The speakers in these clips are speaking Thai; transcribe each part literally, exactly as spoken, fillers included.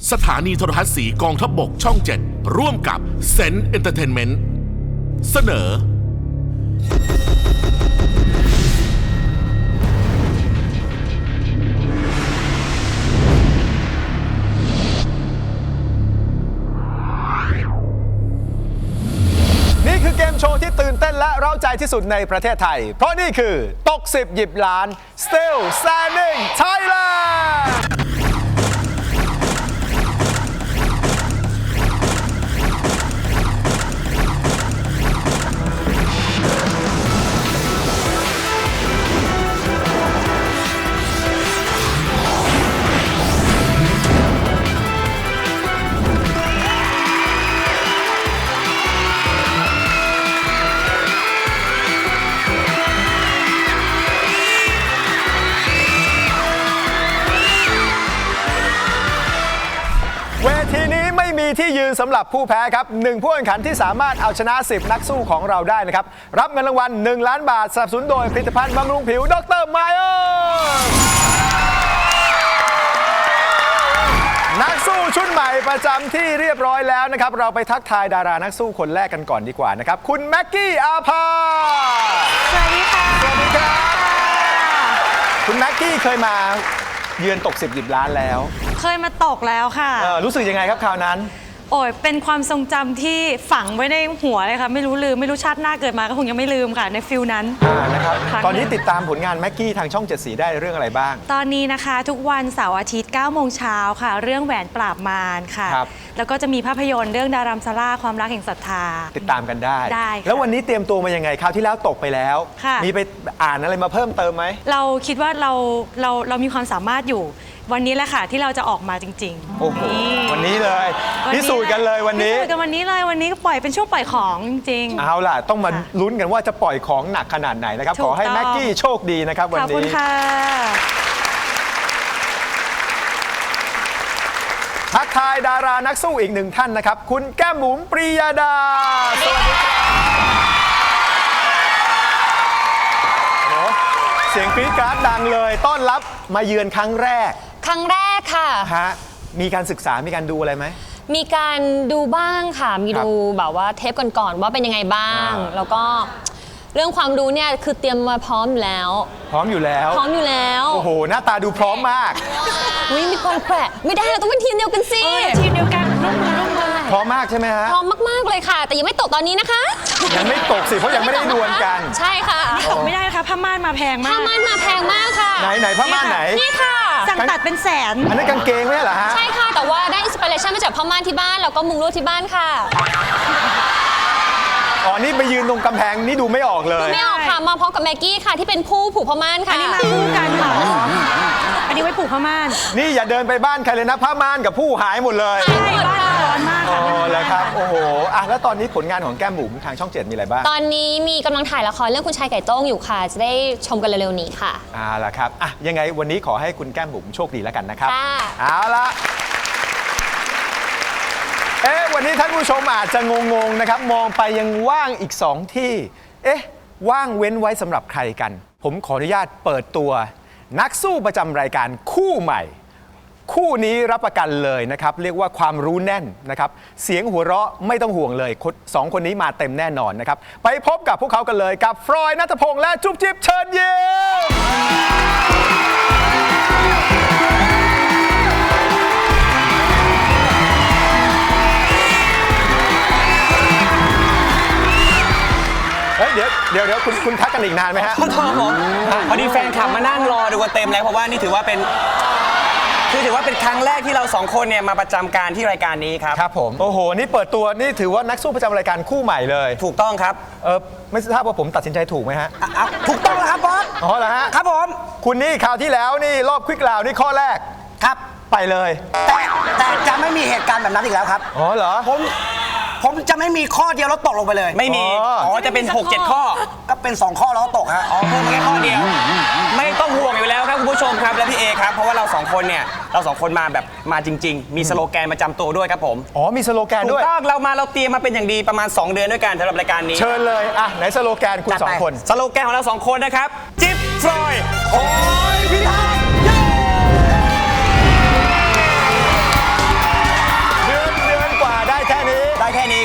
สถานีโทรทัศน์สีกองทัพบกช่องเจ็ดร่วมกับเซนต์เอนเตอร์เทนเมนต์เสนอนี่คือเกมโชว์ที่ตื่นเต้นและเร้าใจที่สุดในประเทศไทยเพราะนี่คือตกสิบหยิบล้าน Still Standing Thailandเวทีนี้ไม่มีที่ยืนสำหรับผู้แพ้ครับหนึ่งผู้แข่งขันที่สามารถเอาชนะสิบนักสู้ของเราได้นะครับรับเงินรางวัลหนึ่งล้านบาทสนับสนุนโดยผลิตภัณฑ์บำรุงผิวดรไมเออร์นักสู้ชุดใหม่ประจำที่เรียบร้อยแล้วนะครับเราไปทักทายดารานักสู้คนแรกกันก่อนดีกว่านะครับคุณแม็กกี้อาภาสวัสดีค่ะสวัสดีครับคุณแม็กกี้เคยมาเยือนตกสิบหยิบล้านแล้วเคยมาตกแล้วค่ะรู้สึกยังไงครับคราวนั้นโอ้ยเป็นความทรงจำที่ฝังไว้ในหัวเลยค่ะไม่รู้ลืมไม่รู้ชาติหน้าเกิดมาก็คงยังไม่ลืมค่ะในฟิลนั้นนะครับตอนนี้ติดตามผลงานแม็กกี้ทางช่องเจ็ดสีได้เรื่องอะไรบ้างตอนนี้นะคะทุกวันเสาร์อาทิตย์เก้าโมงเช้าค่ะเรื่องแหวนปราบมารค่ะแล้วก็จะมีภาพยนตร์เรื่องดารัมซาร่าความรักแห่งศรัทธาติดตามกันได้ได้แล้ววันนี้เตรียมตัวมายังไงคราวที่แล้วตกไปแล้วมีไปอ่านอะไรมาเพิ่มเติมไหมเราคิดว่าเราเราเรามีความสามารถอยู่วันนี้แหละค่ะที่เราจะออกมาจริงๆโอ้โหวันนี้เลยพิสูจน์กันเลยวันนี้พิสูจน์กันวันนี้เลยวันนี้ก็ปล่อยเป็นช่วงปล่อยของจริงๆเอาล่ะต้องมาลุ้นกันว่าจะปล่อยของหนักขนาดไหนนะครับขอให้แม็กกี้โชคดีนะครับวันนี้ขอบคุณค่ะทักทายดารานักสู้อีกหนึ่งท่านนะครับคุณแก้มบุ๋มปรียาดาสวัสดีครับเสียงกรี๊ดกราดดังเลยต้อนรับมาเยือนครั้งแรกครั้งแรกค่ะฮะมีการศึกษามีการดูอะไรไหมมีการดูบ้างค่ะมีดูแบบว่าเทปก่อนๆว่าเป็นยังไงบ้างแล้วก็เรื่องความรู้เนี่ยคือเตรียมมาพร้อมอยู่แล้วพร้อมอยู่แล้วพร้อมอยู่แล้วโอ้โหหน้าตาดูพร้อมมากอุ้ยมีความแปลกไม่ได้เราต้องเป็นทีมเดียวกันสิทีมเดียวกันร่วมมือร่วมมือพร้อมมากใช่ไหมฮะพร้อมมากๆเลยค่ะแต่ยังไม่ตกตอนนี้นะคะยังไม่ตกสิเพราะยังไม่ได้ดวลกันใช่ค่ะตกไม่ได้นะคะผ้าม่านมาแพงมากผ้าม่านมาแพงมากค่ะไหนไหนผ้าม่านไหนนี่ค่ะสั่งตัดเป็นแสนอันนั้นกางเกงไม่ใช่เหรอฮะใช่ค่ะแต่ว่าได้อินสปิเรชันมาจากผ้าม่านที่บ้านแล้วก็มุงลวดที่บ้านค่ะอ๋อนี่ไปยืนตรงกำแพงนี่ดูไม่ออกเลยไม่ออกค่ะมาพร้อมกับแม็กกี้ค่ะที่เป็นผู้ผูกผ้าม่านค่ะอันนี้มาคู่กันค่ะอันนี้ไว้ผูกผ้าม่านนี่อย่าเดินไปบ้านใครเลยนะผ้าม่านกับผู้หายหมดเลยใช่บ้านร้อนมากค่ะอ๋อแล้วครับโอ้โหอ่ะแล้วตอนนี้ผลงานของแก้มบุ๋มทางช่องเจ็ดมีอะไรบ้างตอนนี้มีกำลังถ่ายละครเรื่องคุณชายไก่โต้งอยู่ค่ะจะได้ชมกันเร็วๆนี้ค่ะอ่าละครับอ่ะยังไงวันนี้ขอให้คุณแก้มบุ๋มโชคดีแล้วกันนะครับค่ะเอาละเอ๊ะวันนี้ท่านผู้ชมอาจจะงงๆนะครับมองไปยังว่างอีกสองที่เอ๊ะว่างเว้นไว้สำหรับใครกันผมขออนุญาตเปิดตัวนักสู้ประจำรายการคู่ใหม่คู่นี้รับประกันเลยนะครับเรียกว่าความรู้แน่นนะครับเสียงหัวเราะไม่ต้องห่วงเลยสองคนนี้มาเต็มแน่นอนนะครับไปพบกับพวกเขากันเลยกับฟรอยด์ ณัฐพงษ์และจุ๊บจิ๊บเชิญยิ้มเดี๋ยวเดี๋ยวเดี๋ยวคุณคุณทักกันอีกนานไหมฮะขอโทษผมพอดีแฟนคลับมานั่งรอดูกันเต็มแล้วเพราะว่านี่ถือว่าเป็นคือถือว่าเป็นครั้งแรกที่เราสองคนเนี่ยมาประจำการที่รายการนี้ครับครับผมโอ้โหนี่เปิดตัวนี่ถือว่านักสู้ประจำรายการคู่ใหม่เลยถูกต้องครับเออไม่ทราบว่าผมตัดสินใจถูกไหมฮะถูกต้องแล้วครับบอสอ๋อเหรอฮะครับผมคุณนี่คราวที่แล้วนี่รอบควิกราวนี่ข้อแรกครับไปเลยแต่แต่จะไม่มีเหตุการณ์แบบนั้นอีกแล้วครับอ๋อเหรอผมผมจะไม่มีข้อเดียวแล้วตกลงไปเลยไม่มีอ๋อจะเป็นหก เจ็ดข้อก็เป็นสองข้อแล้วตกฮะอ๋อเพิ่มมาแค่ข้อเดียวไม่ต้องห่วงอยู่แล้วครับคุณผู้ชมครับและพี่เอครับเพราะว่าเราสองคนเนี่ยเราสองคนมาแบบมาจริงๆมีสโลแกนประจำตัวด้วยครับผมอ๋อมีสโลแกนด้วยถูกต้องเรามาเราเตรียมมาเป็นอย่างดีประมาณสองเดือนด้วยกันสำหรับรายการนี้เชิญเลยอ่ะไหนสโลแกนคุณสองคนสโลแกนของเราสองคนนะครับจิ๊บฟรอยด์โอ้ยอย พิทักษ์เย้เอ๊ะเดี๋ยวเดี๋ยวคุณคุณทักกันอีกนานไหมฮะขอโทษครับผมพอดีแฟนคลับมานั่งรอดูกันเต็มแล้วเพราะว่านี่ถือว่าเป็นคือถือว่าเป็นครั้งแรกที่เราสองคนเนี่ยมาประจำการที่รายการนี้ครับอ๋อเหรอ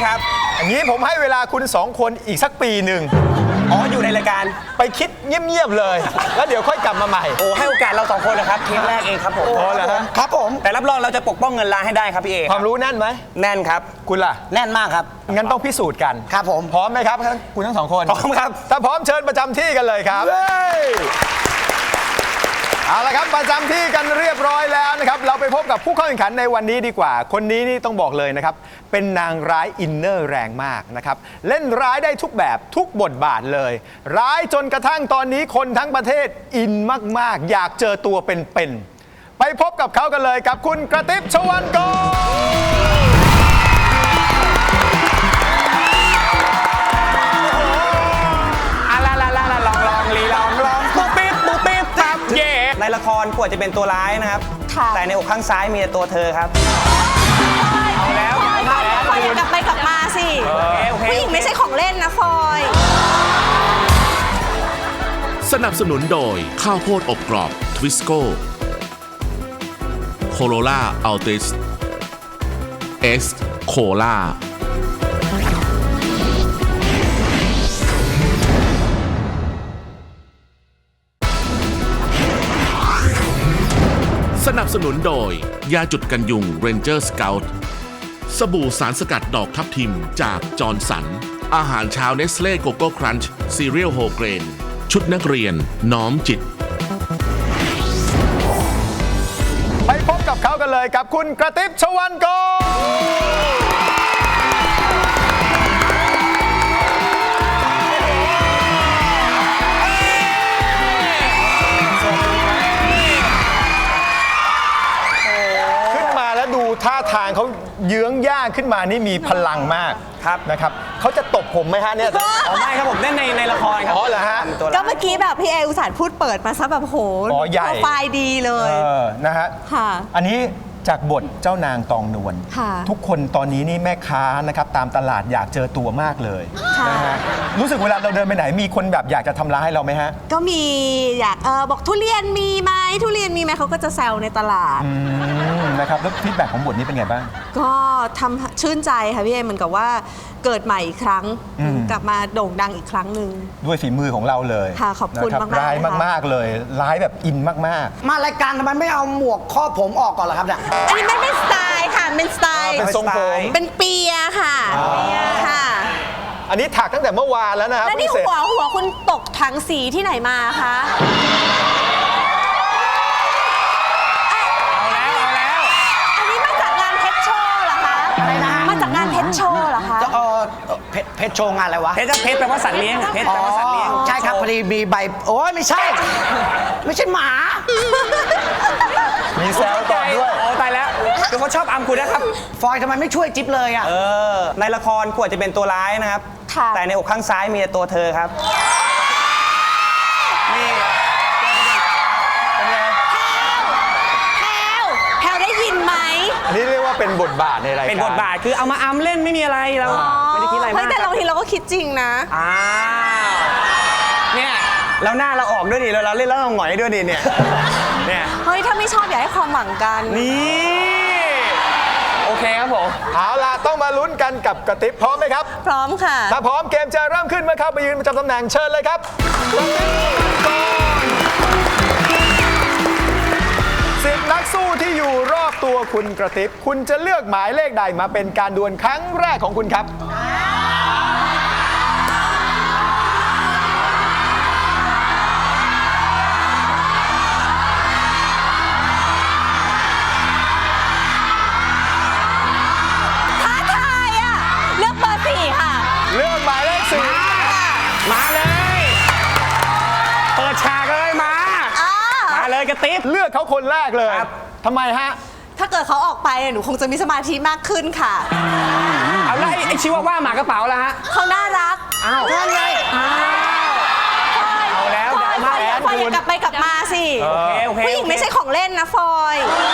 ครับอย่างนี้ผมให้เวลาคุณสองคนอีกสักปีหนึ่งอ๋ออยู่ในรายการไปคิดเงียบๆเลย แล้วเดี๋ยวค่อยกลับมาใหม่โอ้ให้โอกาสเราสองคนนะครับเทปแรกเองครับผมอ๋อเหรอฮะครับผมแต่รับรองเราจะปกป้องเงินล้านให้ได้ครับพี่เอความรู้แน่นไหมแน่นครับคุณล่ะแน่นมากครับงั้นต้องพิสูจน์กันครับผมพร้อมไหมครับคุณทั้งสองคนพร้อมครับถ้าพร้อมเชิญประจำที่กันเลยครับเอาละครับประจำที่กันเรียบร้อยแล้วนะครับเราไปพบกับผู้เข้าแข่งขันในวันนี้ดีกว่า คนนี้นี่ต้องบอกเลยนะครับเป็นนางร้ายอินเนอร์แรงมากนะครับเล่นร้ายได้ทุกแบบทุกบทบาทเลย ร้ายจนกระทั่งตอนนี้คนทั้งประเทศอินมากๆอยากเจอตัวเป็นๆไปพบกับเขากันเลยกับคุณกระติ๊บชวันกรในละครกว่าจะเป็นตัวร้ายนะครับ แต่ในอกข้างซ้ายมีแต่ตัวเธอครับ เอาแล้วฟอยกลับไปกลับมาสิ ผู้หญิงไม่ใช่ของเล่นนะฟอยสนับสนุนโดยข้าวโพดอบกรอบทวิสโก้โคโรล่าอัลติสเอสโคล่าสนับสนุนโดยยาจุดกันยุง Ranger Scout สบู่สารสกัดดอกทับทิมจากจอร์นสัน อาหารเช้าเนสเล่โกโก้ครันช์ซีเรียลโฮเกรน ชุดนักเรียนน้อมจิตไปพบกับเขากันเลยกับคุณกระติ๊บชวันกรดูท่าทางเขาเยื้องย่างขึ้นมานี่มีพลังมากครับนะครับเขาจะตบผมไหมฮะเนี่ยอ๋อไม่ครับผมเล่นในในละครครับอ๋อเหรอฮะตัวร้ายก็เมื่อกี้แบบพี่เออุตส่าห์พูดเปิดมาซะแบบโหอ๋อใหญ่โปรไฟล์ดีเลยเออนะฮะค่ะอันนี้จากบทเจ้านางตองนวลค่ะทุกคนตอนนี้นี่แม่ค้านะครับตามตลาดอยากเจอตัวมากเลยค่ะนะฮะรู้สึกเวลาเราเดินไปไหนมีคนแบบอยากจะทำร้ายเราไหมฮะก็มีอยากเออบอกทุเรียนมีไหมทุเรียนมีไหมเขาก็จะแซวในตลาดอืมนะครับแล้วฟีดแบ็กของบทนี้เป็นไงบ้างก็ทำชื่นใจค่ะพี่เอเหมือนกับว่าเกิดใหม่อีกครั้งอืมกลับมาโด่งดังอีกครั้งหนึ่งด้วยฝีมือของเราเลยค่ะขอบคุณนะรัมากๆร้ายนะคะมากๆเลยร้ายแบบอินมากมารายการทำไมไม่เอาหมวกครอบผมออกก่อนล่ะครับเนี่ยอันนี้ไม่เป็นสไตล์ค่ะเป็นสไตๆล์เป็นทรงผมเป็นเปียค่ะเปียค่ะอันนี้ถักตั้งแต่เมื่อวานแล้วนะครับแล้วนี่เพิ่งเสร็จหัวหัวคุณตกถังสีที่ไหนมาคะเอาแล้วเอาแล้วอันนี้มาจากงานเพชรโชว์เหรอคะอะไรนะฮะมาจากงานเพชรโชว์เหรอคะจะเออเพชรเพชรโชว์งานอะไรวะเพชรเพชรแปลว่าสัตว์เลี้ยงเพชรแปลว่าสัตว์เลี้ยงใช่ครับพอดีมีใบ โอ้ยไม่ใช่ ไม่ใช่หมามีแซวต่อด้วยโอ้ตายแล้วคือเขาชอบอัมคุณนะครับฟอยทำไมไม่ช่วยจิ๊บเลยอ่ะเออในละครกว่าจะเป็นตัวร้ายนะครับค่ะแต่ในอกข้างซ้ายมีแต่ตัวเธอครับนี่เป็นไงแพลวแพลวได้ยินไหมอันนี้เรียกว่าเป็นบทบาทในรายการเป็นบทบาทคือเอามาอัมเล่นไม่มีอะไรเราไม่ได้คิดอะไรเฮ้มาย กแต่บางทีเราก็คิดจริงนะอ้าวเนี่ยแล้วหน้าเราออกด้วยดิเราเราเล่นแล้วเราหงอยด้วยดิเนี่ยเนี่ยเฮ้ย ถ้าไม่ชอบอย่าให้ความหวังกันนี่โอเคครับผมเอาล่ะต้องมาลุ้นกันกับกระติบพร้อมไหมครับพร้อมค่ะถ้าพร้อมเกมจะเริ่มขึ้นเมื่อเข้าไปยืนประจำตำแหน่งเชิญเลยครับสิบนักสู้ที่อยู่รอบตัวคุณกระติบคุณจะเลือกหมายเลขใดมาเป็นการดวลครั้งแรกของคุณครับท้าทายอ่ะ เลือกเบอร์สี่ค่ะเลือกหมายเลขสี่มาเลย เปิดฉากเลยมาอ่ามาเลยกระติ๊บเลือกเขาคนแรกเลยครับทำไมฮะถ้าเกิดเขาออกไปหนูคงจะมีสมาธิมากขึ้นค่ะเอาแล้วไอ้ไอ้ชิวาว่าหมากระเป๋าแล้วฮะเขาน่ารักอ้าวนั่นไงอ้าวเอาแล้วฟอยมาฟอยแล้วฟอยอย่ากลับไปกลับมาสิโอเคโอเคผู้หญิงไม่ใช่ของเล่นนะฟอย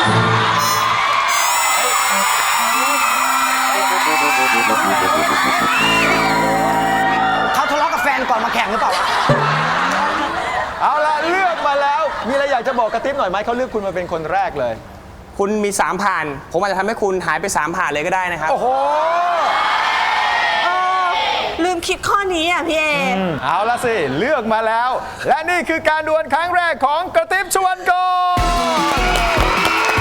เขาทะเลาะกับแฟนก่อนมาแข่งหรือเปล่าวะเอาล่ะเลือกมาแล้ว มีอะไรอยากจะบอกกระติบหน่อยไหมเขาเลือกคุณมาเป็นคนแรกเลยคุณมีสามผ่าน ผมอาจจะทำให้คุณหายไปสามผ่านเลยก็ได้นะครับโอ้โหลืมคิดข้อนี้อ่ะพี่เอเอาละสิ เลือกมาแล้ว และนี่คือการดวลครั้งแรกของกระติบชวนกร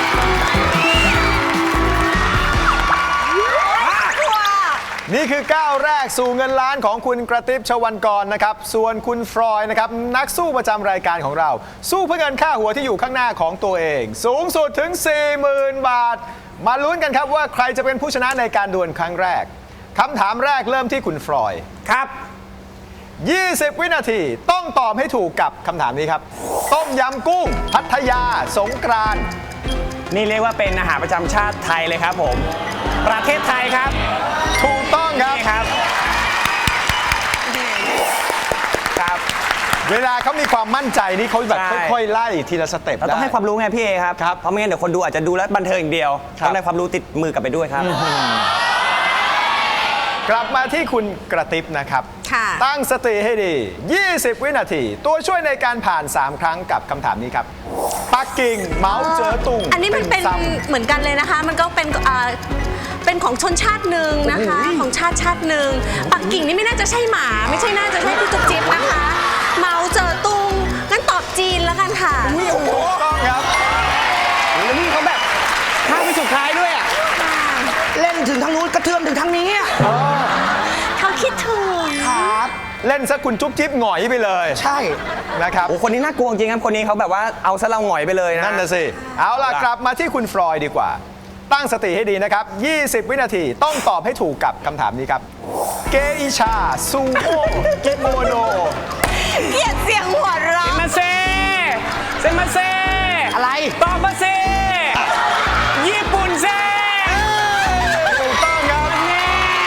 นี่คือก้าวแรกสู่เงินล้านของคุณกระติบชวันกรนะครับส่วนคุณฟรอยนะครับนักสู้ประจำรายการของเรา สู้เพื่อเงินค่าหัวที่อยู่ข้างหน้าของตัวเอง สูงสุดถึง สี่หมื่น บาท มาลุ้นกันครับว่าใครจะเป็นผู้ชนะในการดวลครั้งแรกคำถามแรกเริ่มที่คุณฟรอยครับยี่สิบ วินาทีต้องตอบให้ถูกกับคำถามนี้ครับต้มยำกุ้ง พัทยาสงกรานต์นี่เรียกว่าเป็นอาหารประจำชาติไทยเลยครับผม ประเทศไทยครับถูกต้องครับนี่ครับครับเวลาเขามีความมั่นใจนี่เขาแบบใช่ค่อยๆไล่ทีละสเต็ปเราต้องให้ความรู้ไงพี่เอครับครับเพราะไม่งั้นเดี๋ยวคนดูอาจจะดูแล้วบันเทิงอย่างเดียวครับต้องได้ความรู้ติดมือกลับไปด้วยครับกลับมาที่คุณกระติบนะครับค่ะตั้งสติให้ดี ยี่สิบ วินาที ตัวช่วยในการผ่าน สาม ครั้งกับคำถามนี้ครับ ปักกิ่งเหมาเจ๋อตุงอันนี้มันเป็นซัมเหมือนกันเลยนะคะ มันก็เป็นอ่าเป็นของชนชาติหนึ่งนะคะ ของชาติชาติหนึ่งปักกิ่งนี่ไม่น่าจะใช่หมา ไม่ใช่น่าจะใช่พี่จุ๊บจิ๊บนะคะเหมาเจอตุงงั้นตอบจีนแล้วกันค่ะถูกต้องครับแล้วนี่เขาแบบข้ามไปสุดท้ายด้วยอ่ะเล่นถึงทางนู้นกระเทือมถึงทางนี้อะเขาคิดถึงครับเล่นซะคุณจุ๊บจิ๊บหงอยไปเลยใช่นะครับโอ้คนนี้น่ากลัวจริงครับ คนนี้เขาแบบว่าเอาซะเราหงอยไปเลยนะนั่นน่ะสิ เอาล่ะ กลับมาที่คุณฟรอยดีกว่า ตั้งสติให้ดีนะครับ ยี่สิบ วินาทีต้องตอบให้ถูกกับคำถามนี้ครับ เกอิชาซูโม่เกโมโนเกลียดเสียงหัวเราะมาเซเซมาเซอะไรตอบมาเซญี่ปุ่นเซถูกต้องครับแน่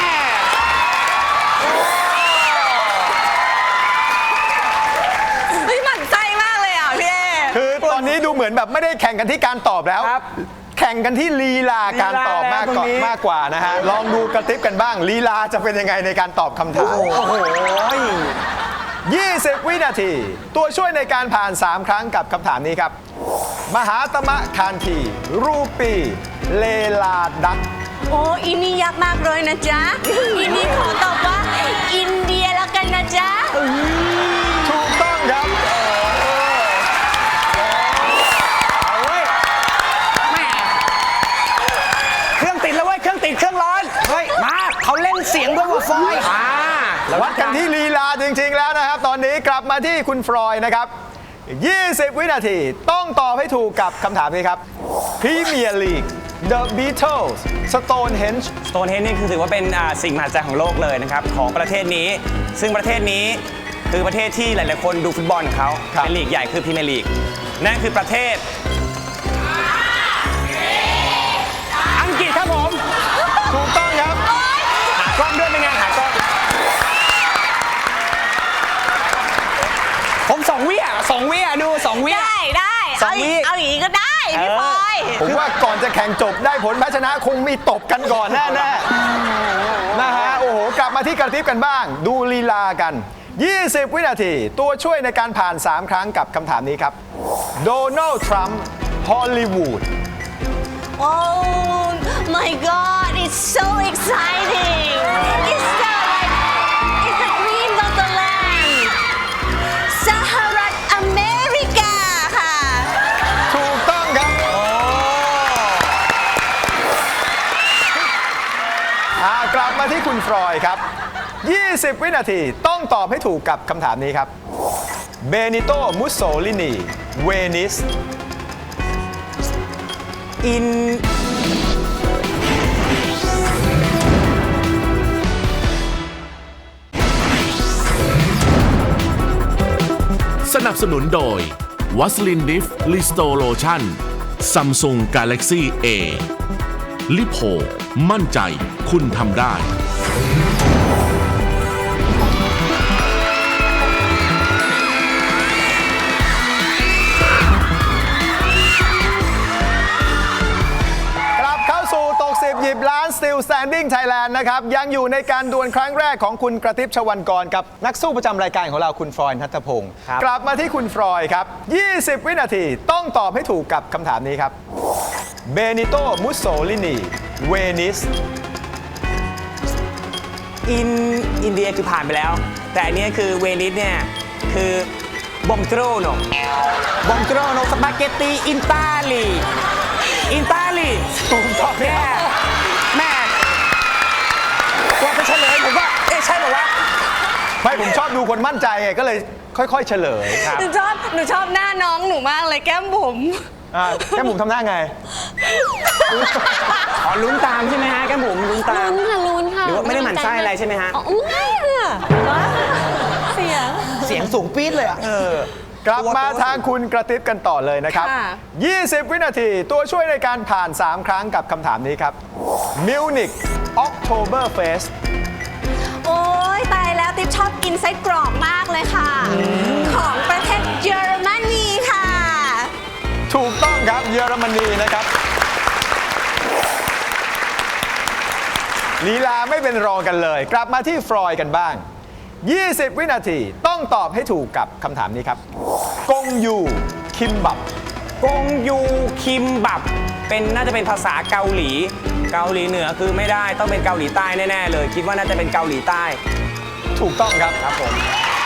เฮ้ยหมั่นไส้มากเลยอ่ะพี่เอคือตอนนี้ดูเหมือนแบบไม่ได้แข่งกันที่การตอบแล้วครับแข่งกันที่ลีลาการตอบมากกว่าลีลาแล้วตรงนี้มากกว่านะฮะ ลองดูกระติบกันบ้าง ลีลาจะเป็นยังไงในการตอบคำถามโอ้โหยี่สิบ วินาที ตัวช่วยในการผ่าน สาม ครั้งกับคำถามนี้ครับ มหาตมะคานที รูปี เลลาดักโอ้อินนี่ยากมากเลยนะจ๊ะ อินนี่ขอตอบว่า อินเดียแล้วกันนะจ๊ะถูกต้องครับเอาเว้ยแม่เครื่องติดแล้วเว้ย เครื่องติดเครื่องร้อนเฮ้ย มาเขาเล่นเสียงด้วยว่าฟอยอ่าวัดกันที่ลีลาจริง ๆ แล้วนะครับ ตอนนี้กลับมาที่คุณฟรอยนะครับ ยี่สิบ วินาทีต้องตอบให้ถูกกับคำถามนี้ครับ พรีเมียร์ลีก The Beatles Stonehenge สโตนเฮนนี่คือถือว่าเป็นอ่าสิ่งมหัศจรรย์ของโลกเลยนะครับของประเทศนี้ ซึ่งประเทศนี้คือประเทศที่หลาย ๆ คนดูฟุตบอลเขาครับเป็นลีกใหญ่คือพรีเมียร์ลีกนั่นคือประเทศ อังกฤษครับผมถูกต้องครับหากล้องด้วยเป็นไงหากล้องผมสองวิอ่ะสองวิอ่ะดูสองวิอ่ะได้ได้สอเอางวิอีกเอาอย่างนี้ก็ได้พี่พลอยผมว่าก่อนจะแข่งจบได้ผลแพ้ชนะคงมีตบกันก่อนแน่ๆนะฮะ โอ้โห กลับมาที่กระติบกันบ้าง ดูลีลากัน ยี่สิบ วินาที ตัวช่วยในการผ่าน สาม ครั้งกับคำถามนี้ครับ โดนัลด์ทรัมป์ฮอลลีวูดโอ้ my god it's so exciting it's the like it's the dream of the land สหรัฐอเมริกาค่ะถูกต้องครับอ่ากลับมาที่คุณฟรอยครับ ยี่สิบ วินาทีต้องตอบให้ถูกกับคำถามนี้ครับ เบนิโต มุสโซลินี เวนิสอินสนับสนุนโดยวัสลินดิฟลิสโตโลชั่นซัมซุงกาแล็กซี่เอลิโพมั่นใจคุณทำได้กลับเข้าสู่ตกสิบหยิบล้าน Still Standing Thailand นะครับ ยังอยู่ในการดวลครั้งแรกของคุณกระติบชวันกรกับนักสู้ประจำรายการของเราคุณฟรอยณัฐพงศ์ครับกลับมาที่คุณฟรอยครับ ยี่สิบ วินาทีต้องตอบให้ถูกกับคำถามนี้ครับเบนิโต มุสโซลินี เวนิสอินอินเดียคือผ่านไปแล้ว แต่อันนี้คือเวนิสเนี่ยคือบอมโตรโนบอมโตรโนสปาเกตตีอินตาลีอินตาลีถูกต้องแม่แม่กว่าจะเฉลยผมว่าเอ๊ะใช่หรอวะไม่ผมชอบดูคนมั่นใจไงก็เลยค่อยๆเฉลยครับหนูชอบหนูชอบหน้าน้องหนูมากเลยแก้มบุ๋มอ่าแค่ผมทำหน้าไงอ๋อลุ้นตามใช่ไหมฮะแก้มบุ๋มลุ้นตามลุ้นค่ะลุ้นค่ะหรือว่าไม่ได้หมั่นไส้อะไรใช่ไหมฮะอ๋อไม่ค่ะเสียงเสียงสูงปี๊ดเลยอ่ะกลับมาทางคุณกระติบกันต่อเลยนะครับค่ะยี่สิบ วินาทีตัวช่วยในการผ่าน สาม ครั้งกับคำถามนี้ครับมิวนิกออกโทเบอร์เฟสโอ้ยตายแล้วติ๊บชอบกินไส้กรอกมากเลยค่ะ ของประเทศเยอรมนีค่ะถูกต้องครับเยอรมนีนะครับลีลาไม่เป็นรองกันเลย กลับมาที่ฟรอยด์กันบ้าง ยี่สิบ วินาทีต้องตอบให้ถูกกับคำถามนี้ครับกงยูคิมบับกงยูคิมบับเป็นน่าจะเป็นภาษาเกาหลี เกาหลีเหนือคือไม่ได้ต้องเป็นเกาหลีใต้แน่ๆเลย คิดว่าน่าจะเป็นเกาหลีใต้ถูกต้องครับครับผม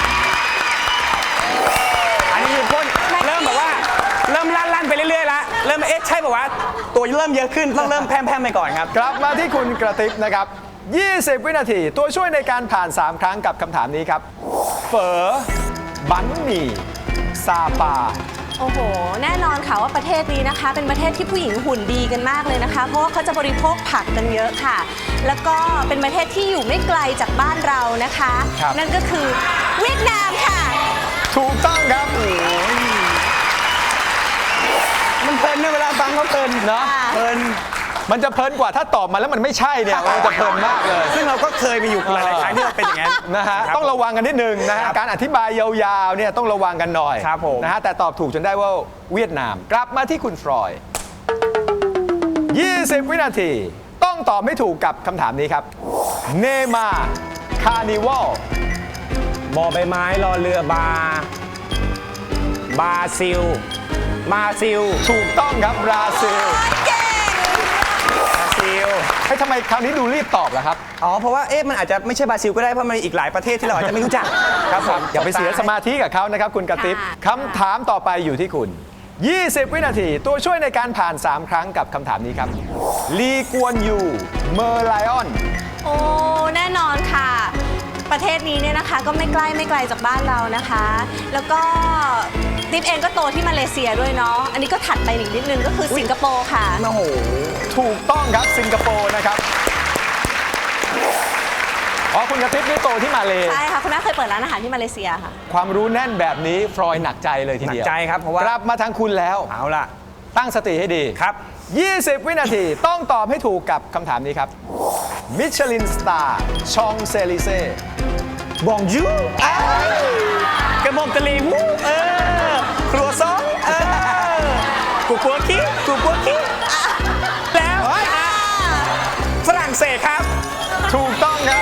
อันนี้คือพ่นเริ่มแบบว่าเริ่มลั่นๆไปเรื่อยๆแล้วเริ่มเอ๊ะใช่ป่าวะตัวเริ่มเยอะขึ้นต้องเริ่มแพร่มๆไปก่อนครับกลับมาที่คุณกระติบนะครับ ยี่สิบ วินาทีตัวช่วยในการผ่าน สาม ครั้งกับคำถามนี้ครับเฝอบันหมี่ซาปาโอ้โห แน่นอนค่ะว่าประเทศนี้นะคะ เป็นประเทศที่ผู้หญิงหุ่นดีกันมากเลยนะคะ เพราะว่าเขาจะบริโภคผักกันเยอะค่ะ แล้วก็เป็นประเทศที่อยู่ไม่ไกลจากบ้านเรานะคะครับนั่นก็คือเวียดนามค่ะถูกต้องครับมันเพลินในเวลาฟังเขาเพลินเนาะเพลินมันจะเพลินกว่าถ้าตอบมาแล้วมันไม่ใช่เนี่ยมันจะเพลินมากเลยซึ่งเราก็เคยมีอยู่หลายๆครั้งที่เราเป็นอย่างนั้นนะฮะต้องระวังกันนิดนึงนะฮะครับการอธิบายยาวๆเนี่ยต้องระวังกันหน่อยครับผมนะฮะแต่ตอบถูกจนได้ว่าเวียดนาม กลับมาที่คุณฟรอยด์ยี่สิบ วินาทีต้องตอบให้ถูกกับคำถามนี้ครับเนมาคาร์นิวัลบอใบไม้รอเรือบา บาซิล มาซิลถูกต้องครับบราซิลบราซิลเฮ้ยทำไมคราวนี้ดูรีบตอบล่ะครับอ๋อ เพราะว่า เอ๊ะ มันอาจจะไม่ใช่บราซิลก็ได้ เพราะมันมีอีกหลายประเทศที่เราอาจจะไม่รู้จัก ครับผมอย่าไปเสียสมาธิกับเขานะครับคุณกระติบค่ะคำถามต่อไปอยู่ที่คุณ ยี่สิบ วินาทีตัวช่วยในการผ่าน สาม ครั้งกับคำถามนี้ครับลีกวนยูเมอร์ไลออนโอ้ แน่นอนค่ะ ประเทศนี้เนี่ยนะคะก็ไม่ใกล้ไม่ไกลจากบ้านเรานะคะ แล้วก็ติ๊บเองก็โตที่มาเลเซียด้วยเนาะ อันนี้ก็ถัดไปอีกนิดนึงก็คือสิงคโปร์ค่ะโอ้โหถูกต้องครับสิงคโปร์นะครับอ๋อคุณกระติบนี่โตที่มาเลใช่ค่ะ คุณแม่เคยเปิดร้านอาหารที่มาเลเซียค่ะความรู้แน่นแบบนี้ฟรอยหนักใจเลยทีเดียวหนักใจครับเพราะว่ากลับมาทางคุณแล้วเอาล่ะตั้งสติให้ดีครับยี่สิบ วินาทีต้องตอบให้ถูกกับคำถามนี้ครับมิชลินสตาร์ชองเซลิเซ่บองยูกระหม่อมตะลีวูเออ ครัวซองเออ กูกัวคิกูกัวคิแล้วอ่ะฝรั่งเศสครับถูกต้องครับ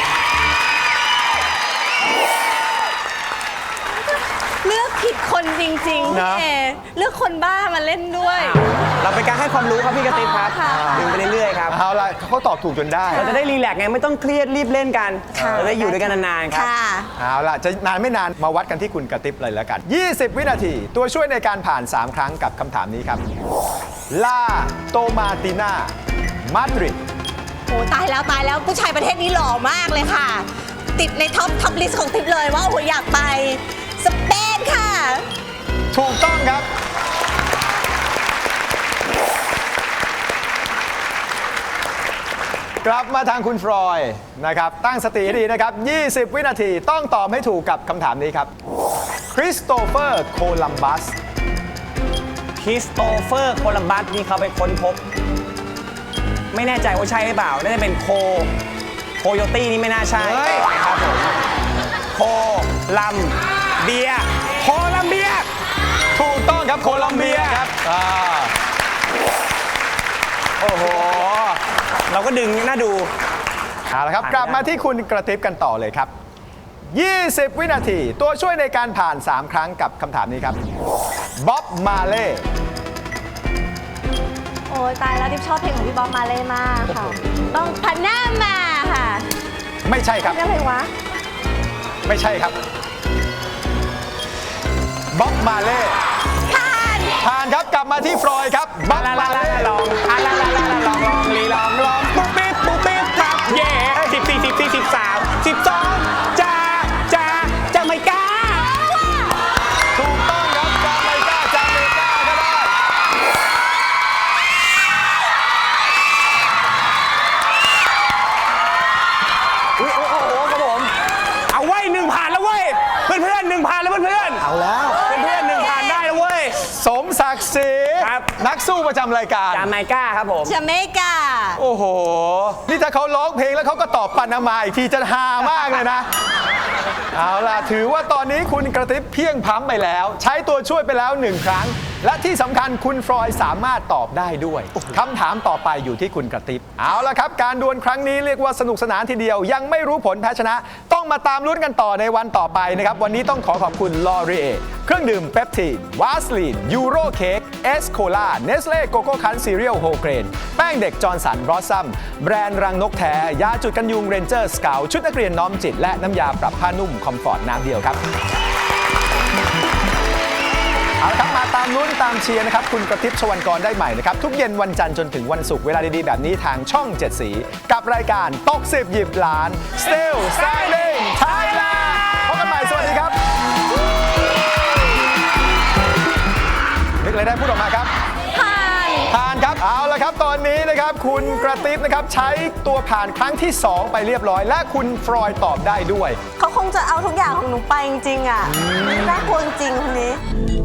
เลือกผิดคนจริงๆนะพี่เอเลือกคนบ้ามาเล่นด้วยเราเป็นการให้ความรู้ครับพี่กระติบครับค่ะดึงไปเรื่อยๆครับเอาละเขาตอบถูกจนได้เราจะได้รีแลกซ์ไงไม่ต้องเครียดรีบเล่นกันค่ะเราได้อยู่ด้วยกันนานๆครับค่ะเอาล่ะ จะนานไม่นานมาวัดกันที่คุณกระติบเลยแล้วกัน ยี่สิบ วินาทีตัวช่วยในการผ่าน สาม ครั้งกับคำถามนี้ครับลาโตมาติน่ามาดริดโอ้ตายแล้วตายแล้วผู้ชายประเทศนี้หล่อมากเลยค่ะ ติดในท็อปท็อปลิสต์ของติ๊บเลยว่าโอ้โหอยากไปสเปนค่ะถูกต้องครับ กลับมาทางคุณฟรอยนะครับ ตั้งสติให้ดีนะครับ ยี่สิบ วินาทีต้องตอบให้ถูกกับคำถามนี้ครับคริสโตเฟอร์โคลัมบัสคริสโตเฟอร์โคลัมบัสนี่เขาไปค้นพบ ไม่แน่ใจว่าใช่หรือเปล่า น่าจะเป็นโค โคโยตี้นี่ไม่น่าใช่ครับผม โคลัมเบีย โคลัมเบียถูกต้องครับโคลัมเบียครับอ่าโอ้โหเราก็ดึงน่าดูเอาละครับกลับมาที่คุณกระติบกันต่อเลยครับ ยี่สิบ วินาทีตัวช่วยในการผ่าน สาม ครั้งกับคำถามนี้ครับบ๊อบมาเล่โอ้ยตายแล้วติ๊บชอบเพลงของพี่บ๊อบมาเล่มากค่ะ ต้องพันหน้ามาค่ะไม่ใช่ครับอะไรวะไม่ใช่ครับบ๊อบมาเล่ผ่านผ่านครับกลับมาที่ฟรอยด์ครับบ๊อบมาเล่ลองอ่ะลาลาลาลองลองลีลองลองปุ๊บปิ๊บปุ๊บปิ๊บครับเย่สิบสี่สิบสี่สิบสามสิบสองจ้าจ้าจ้าไม่กล้าถูกต้องครับจาไมกาจาเมกาก็ได้อุ้ยโอ้โหครับผมเอาไว้หนึ่งผ่านแล้วเว้ยเพื่อนเพื่อนหนึ่งผ่านแล้วเพื่อนเพื่อนเอาแล้วเพื่อนเพื่อนหนึ่งผ่านได้แล้วเว้ยสมศักดิ์ศรีครับนักสู้ประจำรายการจาไมก้าครับผมจาเมกาโอ้โห นี่ถ้าเขาร้องเพลงแล้วเขาก็ตอบปานามาอีกทีจะฮามากเลยนะ เอาล่ะ ถือว่าตอนนี้คุณกระติบเพียงพล้ำไปแล้ว ใช้ตัวช่วยไปแล้วหนึ่งครั้ง และที่สำคัญคุณฟรอยด์สามารถตอบได้ด้วยคำถามต่อไปอยู่ที่คุณกระติบเอาล่ะครับ การดวลครั้งนี้เรียกว่าสนุกสนานทีเดียว ยังไม่รู้ผลแพ้ชนะ ต้องมาตามลุ้นกันต่อในวันต่อไปนะครับ วันนี้ต้องขอขอบคุณลอรีเอเครื่องดื่มเปปทีนวาสลีนยูโรเค้กเอสโคลาเนสเล่โกโก้คันซีเรียลโฮเกรนแป้งเด็กจอร์นสันบลอสซัมแบรนด์รังนกแท้ยาจุดกันยุงเรนเจอร์สเกลชุดนักเรียนน้อมจิตและน้ำยาปรับผ้านุ่มคอมฟอร์ตน้ำเดียวครับ เอาละครับมาตามลุ้นตามเชียร์นะครับคุณกระติบชวันกรได้ใหม่นะครับทุกเย็นวันจันทร์จนถึงวันศุกร์เวลาดีๆแบบนี้ทางช่องเจ็ดสีกับรายการตกสิบหยิบล้าน Still Standing Thailand พบกันใหม่สวัสดีครับนึกอะไรได้พูดออกมาครับผ่านผ่านครับเอาละครับตอนนี้นะครับคุณกระติบนะครับใช้ตัวผ่านครั้งที่สองไปเรียบร้อย และคุณฟรอยด์ตอบได้ด้วยเขาคงจะเอาทุกอย่างของหนูไปจริงๆอ่ะน่ากลัวจริงๆคนนี้